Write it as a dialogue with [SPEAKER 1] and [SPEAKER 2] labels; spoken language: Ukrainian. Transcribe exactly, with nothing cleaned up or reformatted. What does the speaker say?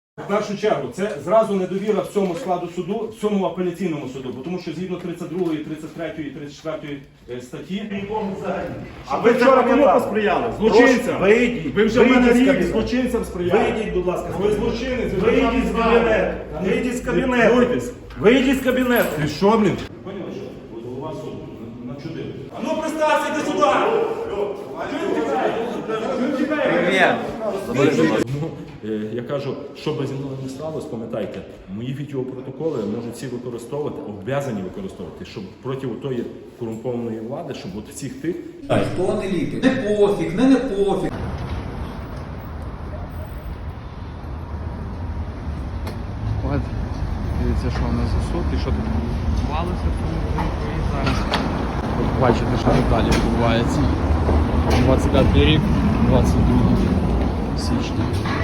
[SPEAKER 1] В першу чергу, це зразу недовіра в цьому складу суду, в цьому апеляційному суду, бо тому що згідно тридцять другої, тридцять третьої і тридцять четвертої статті...
[SPEAKER 2] А ви вчора кому посприяли? Злочинцям.
[SPEAKER 3] Вийдіть.
[SPEAKER 2] Ви вже в мене рік злочинцям сприяли.
[SPEAKER 3] Вийдіть, будь ласка.
[SPEAKER 2] Ви злочинець. ви
[SPEAKER 3] Вийдіть
[SPEAKER 2] там
[SPEAKER 3] з
[SPEAKER 2] знали.
[SPEAKER 3] кабінету. Вийдіть з кабінету.
[SPEAKER 2] Відкройтесь.
[SPEAKER 3] Вийдіть з кабінету.
[SPEAKER 2] Ти що, блін?
[SPEAKER 1] Поняли, що от голова суду начудив.
[SPEAKER 2] А ну представся, йди сюди!
[SPEAKER 1] Ну, е, я кажу, що би зі мною не сталося, пам'ятайте, мої відеопротоколи можуть всі використовувати, обов'язані використовувати, щоб проти тої корумпованої влади, щоб от всіх тих...
[SPEAKER 4] Хто не ліпить? Не пофіг, не не пофіг.
[SPEAKER 5] От, дивіться, що у нас за суд і що тут відбувалося в цьому будинку і зараз. От бачите, що тут далі відбувається. двадцять п'ятий рік, двадцять друге січня.